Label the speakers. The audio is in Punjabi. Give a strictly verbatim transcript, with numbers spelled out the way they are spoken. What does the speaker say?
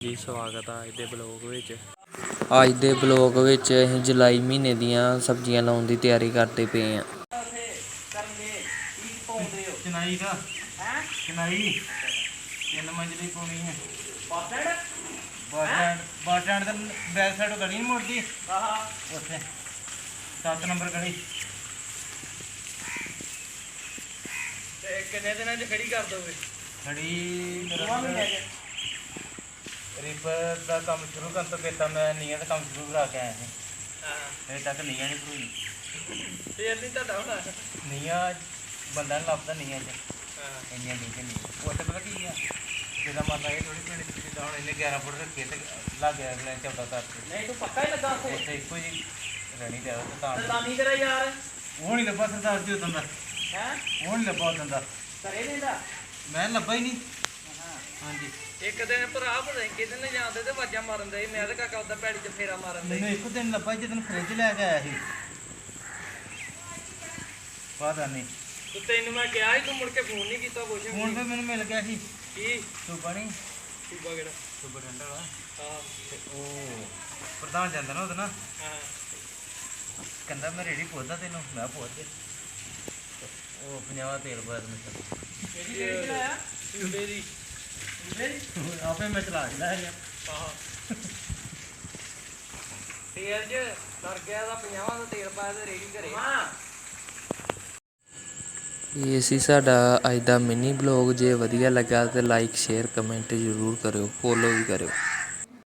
Speaker 1: ਜੀ ਸਵਾਗਤ ਆ ਅੱਜ ਦੇ ਬਲੌਗ ਵਿੱਚ। ਅੱਜ ਦੇ ਬਲੌਗ ਵਿੱਚ ਅਸੀਂ ਜੁਲਾਈ ਮਹੀਨੇ ਦੀਆਂ ਸਬਜ਼ੀਆਂ ਲਾਉਣ ਦੀ ਤਿਆਰੀ ਕਰਦੇ ਪਏ ਹਾਂ।
Speaker 2: ਚਨਾਈ ਦਾ ਹੈ ਚਨਾਈ ਤਿੰਨ ਮੰਜ਼ਲੀ ਪਾਉਣੀ ਹੈ। Bus stand bus stand bus stand ਦੇ ਬੈਕ ਸਾਈਡ ਗਲੀ ਨਹੀਂ ਮੁੜਦੀ ਆਹ ਉੱਥੇ ਸੱਤ ਨੰਬਰ ਗਲੀ। ਤੇ ਕਿੰਨੇ ਦਿਨਾਂ 'ਚ ਖੜੀ ਕਰ ਦੋਗੇ? ਖੜੀ ਰੀਪਰ ਦਾ ਕੰਮ ਸ਼ੁਰੂ ਕਰਨ ਤੋਂ ਪਹਿਲਾਂ ਮੈਂ ਨੀਹਾਂ ਦਾ ਕੰਮ ਸ਼ੁਰੂ ਕਰਾ ਕੇ ਆਇਆ ਸੀ। ਹਾਂ ਹਜੇ ਤੱਕ ਨੀਹਾਂ ਨਹੀਂ ਭਰੂਈ। ਫੇਰ ਨਹੀਂ ਤੁਹਾਡਾ ਹੋਣਾ ਨੀਹਾਂ ਬੰਦਾ ਨਹੀਂ ਲੱਭਦਾ ਨੀਹਾਂ 'ਚ। ਹਾਂ ਇੰਨੀਆਂ ਨੀਹਾਂ ਨਹੀਂ ਉੱਥੇ ਪਤਾ ਕੀ ਆ ਜਿੱਦਾਂ ਮੰਨ ਲਾ ਇਹ ਥੋੜ੍ਹੀ ਪਿੰਡ ਜਿੱਦਾਂ ਹੁਣ ਇਹਨੇ ਗਿਆਰਾਂ ਫੁੱਟ ਰੱਖੇ ਤੇ ਲੱਗ ਗਿਆ ਅਗਲੇ ਚੌਦਾਂ ਕਰਕੇ। ਨਹੀਂ ਤੂੰ ਪੱਕਾ ਹੀ ਲੱਗਾ ਉੱਥੇ ਉੱਥੇ ਇੱਕੋ ਜਿਹੀ ਰਹਿਣੀ ਚਾਹੀਦਾ ਤੇ ਤਾਂ ਲਾਨੀ ਤੇਰਾ ਯਾਰ ਉਹ ਨਹੀਂ ਲੱਭਾ ਸਰਦਾਰ ਜੀ ਉਦੋਂ ਦਾ। ਹੈਂ ਉਹ ਨਹੀਂ ਲੱਭਾ ਉਦੋਂ ਦਾ ਘਰੇ ਨਹੀਂ ਮੈਂ ਲੱਭਾ ਹੀ ਨਹੀਂ। ਹਾਂਜੀ ਇੱਕ ਦਿਨ ਭਰਾ ਪਤਾ ਕਿਤੇ ਨੇ ਜਾਂਦੇ ਤੇ ਵਾਜਾਂ ਮਾਰਨ ਦੇ ਮੈਂ ਤੇ ਕਾਕਾ ਉਦਾਂ ਪੈੜੀ 'ਚ ਫੇਰਾ ਮਾਰਨ ਦੇ। ਮੈਨੂੰ ਇੱਕ ਦਿਨ ਲੱਭਾ ਜਦੋਂ ਫਰਿੱਜ ਲੈ ਕੇ ਆਇਆ ਸੀ। ਪਤਾ ਨਹੀਂ ਤੇ ਤੈਨੂੰ ਮੈਂ ਕਿਹਾ ਸੀ ਤੂੰ ਮੁੜ ਕੇ ਫੋਨ ਨਹੀਂ ਕੀਤਾ ਕੁਛ ਫੋਨ ਤੇ ਮੈਨੂੰ ਮਿਲ ਗਿਆ ਸੀ। ਕੀ ਸੂਬਾ ਨਹੀਂ ਸੂਬਾ ਕਿਹੜਾ ਸੂਬਾ ਡੰਡਾ ਵਾ ਹਾਂ ਤੇ ਉਹ ਪ੍ਰਧਾਨ ਜਾਂਦਾ ਨਾ ਉਹਦਾ ਨਾ ਹਾਂ ਕਹਿੰਦਾ ਮੈਂ ਰੇੜੀ ਪੁੱਛਦਾ ਤੈਨੂੰ ਮੈਂ ਪੁੱਛ ਦੇ ਉਹ ਪੰਜਾਹ ਤੇਲ ਪਾਇਆ ਮੈਂ ਕਿਹੜੀ ਰੇੜੀ ਚਲਾਇਆ ਸੂਬੇ ਦੀ ਆਪੇ ਮੈਂ ਚਲਾ ਕੇ ਲੈ ਗਿਆ। ਹਾਂ ਤੇਲ 'ਚ ਸਰ ਗਿਆ ਦਾ ਪੰਜਾਹਾਂ ਦਾ ਤੇਲ ਪਾਇਆ ਤੇ ਰੇੜੀ ਘਰੇ। ਹਾਂ
Speaker 1: ਇਹ ਸੀ ਸਾਡਾ ਅੱਜ ਦਾ ਮਿਨੀ ਬਲੌਗ। ਜੇ ਵਧੀਆ ਲੱਗਾ ਤਾਂ ਲਾਈਕ ਸ਼ੇਅਰ ਕਮੈਂਟ ਜ਼ਰੂਰ ਕਰਿਓ, ਫੋਲੋ ਵੀ ਕਰਿਓ।